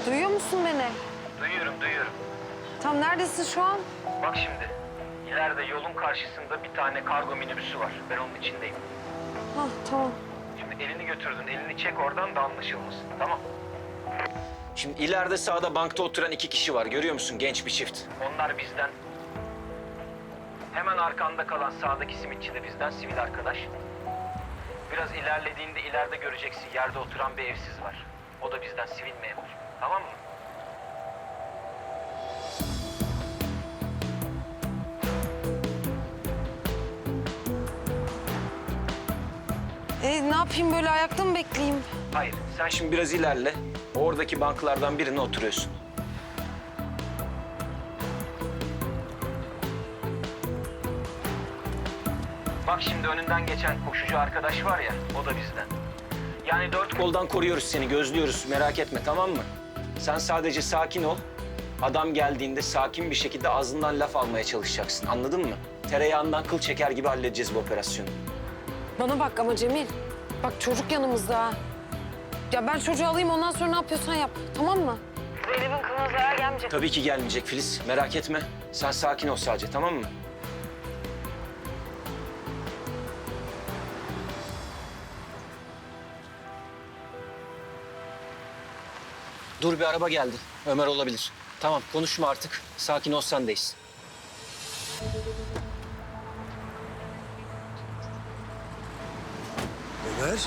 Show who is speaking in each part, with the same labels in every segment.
Speaker 1: Duyuyor musun beni?
Speaker 2: Duyuyorum.
Speaker 1: Tam neredesin şu an?
Speaker 2: Bak şimdi, ileride yolun karşısında bir tane kargo minibüsü var. Ben onun içindeyim.
Speaker 1: Hah, tamam.
Speaker 2: Şimdi elini götürdün, elini çek oradan da anlaşılmasın, tamam?
Speaker 3: Şimdi ileride sağda bankta oturan 2 kişi var. Görüyor musun? Genç bir çift.
Speaker 2: Onlar bizden. Hemen arkanda kalan sağdaki simitçi de bizden, sivil arkadaş. Biraz ilerlediğinde ileride göreceksin, yerde oturan bir evsiz var. O da bizden, sivil memur. Tamam mı?
Speaker 1: Ne yapayım, böyle ayakta mı bekleyeyim?
Speaker 2: Hayır, sen
Speaker 3: Şimdi biraz ilerle. Oradaki banklardan birine oturuyorsun.
Speaker 2: bak şimdi önünden geçen koşucu arkadaş var ya, o da bizden. Yani dört
Speaker 3: Koldan koruyoruz seni, gözlüyoruz. Merak etme, tamam mı? Sen sadece sakin ol. Adam geldiğinde sakin bir şekilde ağzından laf almaya çalışacaksın. Anladın mı? Tereyağından kıl çeker gibi halledeceğiz bu operasyonu.
Speaker 1: Bana bak ama Cemil. Bak çocuk yanımızda ha. Ya ben çocuğu alayım, ondan sonra ne yapıyorsan yap. Tamam mı? Zeynep'in kılına zarar gelmeyecek.
Speaker 3: Tabii ki gelmeyecek Filiz. Merak etme. Sen sakin ol sadece, tamam mı? Dur, bir araba geldi. Ömer olabilir. Tamam, konuşma artık. Sakin ol, sendeyiz.
Speaker 4: Ömer.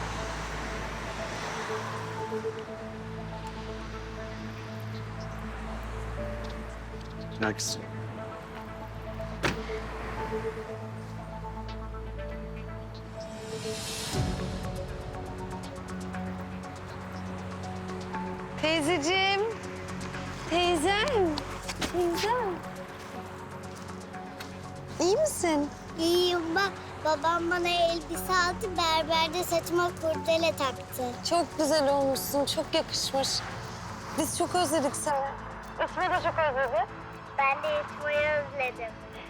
Speaker 4: Gel kızım.
Speaker 1: Teyzeciğim. Teyzem. Teyzem. İyi misin?
Speaker 5: İyiyim bak. Babam bana elbise aldı, berberde saçıma kurdele taktı.
Speaker 1: Çok güzel olmuşsun, çok yakışmış. Biz çok özledik seni. İsmi de çok özledi.
Speaker 5: Ben de yatmayı özledim.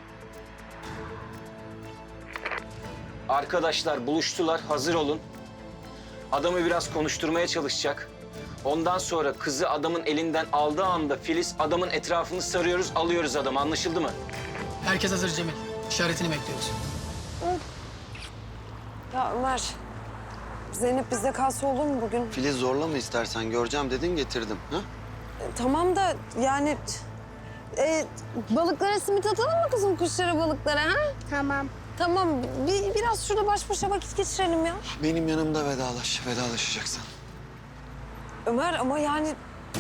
Speaker 3: Arkadaşlar buluştular, hazır olun. Adamı biraz konuşturmaya çalışacak. Ondan sonra kızı adamın elinden aldığı anda Filiz adamın etrafını sarıyoruz, alıyoruz adamı. Anlaşıldı mı?
Speaker 6: Herkes hazır Cemil. İşaretini bekliyoruz.
Speaker 1: Ya Ömer, Zeynep bizde kalsa olur mu bugün?
Speaker 4: Filiz zorlama istersen. Göreceğim dedin getirdim. Ha?
Speaker 1: Tamam da yani... balıklara simit atalım mı kızım, kuşlara, balıklara ha?
Speaker 5: Tamam.
Speaker 1: Tamam, biraz şurada baş başa vakit geçirelim ya.
Speaker 4: Benim yanımda vedalaşacaksın.
Speaker 1: Ömer ama yani...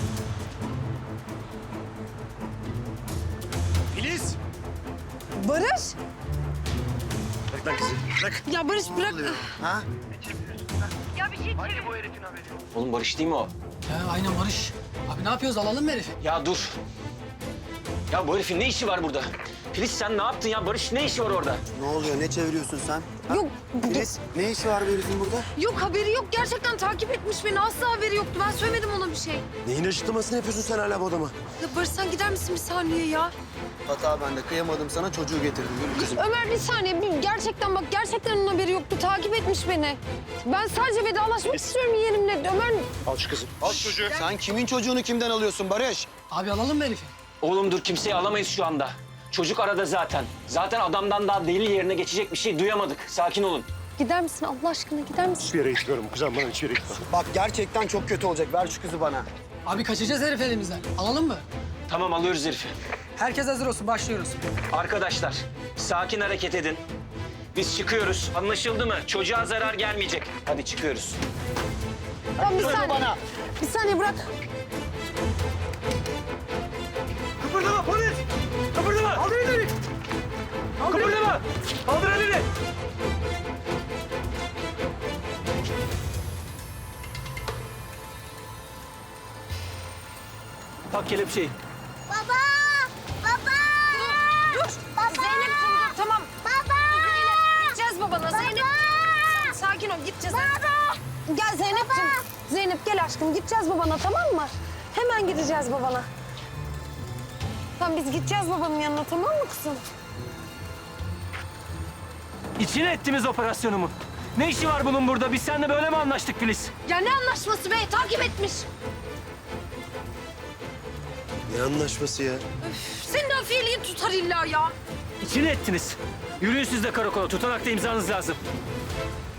Speaker 4: Filiz!
Speaker 1: Barış!
Speaker 4: Bırak lan kızı. Bırak.
Speaker 1: Ya Barış bırak.
Speaker 4: Ha?
Speaker 2: Hangi bu herifin haberi yok?
Speaker 3: Oğlum Barış değil mi o?
Speaker 6: Ya aynen Barış. Abi ne yapıyoruz? Alalım mı herifi?
Speaker 3: Ya dur. Ya bu herifin ne işi var burada? Filiz sen ne yaptın ya? Barış ne işi var orada?
Speaker 4: Ne oluyor? Ne çeviriyorsun sen? Ha?
Speaker 1: Yok,
Speaker 4: Filiz ne işi var bu herifin burada?
Speaker 1: yok haberi yok. Gerçekten takip etmiş beni. Asla haberi yoktu. Ben söylemedim ona bir şey.
Speaker 4: Neyin açıklamasını yapıyorsun sen hala bu adama?
Speaker 1: Ya Barış sen gider misin bir saniye ya?
Speaker 4: Hata bende. Kıyamadım sana, çocuğu getirdim. Yürü kızım.
Speaker 1: Ömer bir saniye. Gerçekten bak, gerçekten onun haberi yoktu. Takip etmiş beni. Ben sadece vedalaşmak istiyorum yeğenimle. Ömer...
Speaker 4: Al şu kızı. Al çocuğu. Sen kimin çocuğunu kimden alıyorsun Barış?
Speaker 6: Abi alalım mı herifi?
Speaker 3: Oğlum dur, kimseyi alamayız şu anda. Çocuk arada zaten. Zaten adamdan daha deli yerine geçecek bir şey duyamadık. Sakin olun.
Speaker 1: Gider misin Allah aşkına, gider misin?
Speaker 7: Hiçbir yere gitmiyorum kuzen, bana hiçbir yere gitmem.
Speaker 4: Bak gerçekten çok kötü olacak. Ver şu kızı bana.
Speaker 6: Abi kaçacağız herif elimizden. Alalım mı?
Speaker 3: Tamam, alıyoruz herifi.
Speaker 6: Herkes hazır olsun. Başlıyoruz.
Speaker 3: Arkadaşlar sakin hareket edin. Biz çıkıyoruz. Anlaşıldı mı? Çocuğa zarar gelmeyecek. Hadi çıkıyoruz.
Speaker 1: Tamam bir
Speaker 4: Söyle
Speaker 1: saniye.
Speaker 4: bana.
Speaker 1: Bir saniye bırak.
Speaker 3: Kıpırdama polis! Kıpırdama! Kaldır elini! Kıpırdama! Kaldır elini! Tak kelepçeyi.
Speaker 5: Baba! Baba!
Speaker 1: Dur.
Speaker 5: Baba!
Speaker 1: Zeynep'ciğim dur, tamam.
Speaker 5: Baba!
Speaker 1: Zeynep, gideceğiz babana. Zeynep. Sakin ol, gideceğiz.
Speaker 5: Baba!
Speaker 1: Gel Zeynep'ciğim. Zeynep gel aşkım, gideceğiz babana, tamam mı? Hemen gideceğiz babana. Tamam biz gideceğiz babanın yanına, tamam mı kızım?
Speaker 3: İçine ettiniz operasyonumu. Ne işi var bunun burada? Biz seninle böyle mi anlaştık Filiz?
Speaker 1: Ya ne anlaşması be? Takip etmiş.
Speaker 7: Ne anlaşması ya?
Speaker 1: Senin afiyeliğin tutar illa ya.
Speaker 8: İçine ettiniz. Yürüyün siz de karakola. Tutanakta imzanız lazım.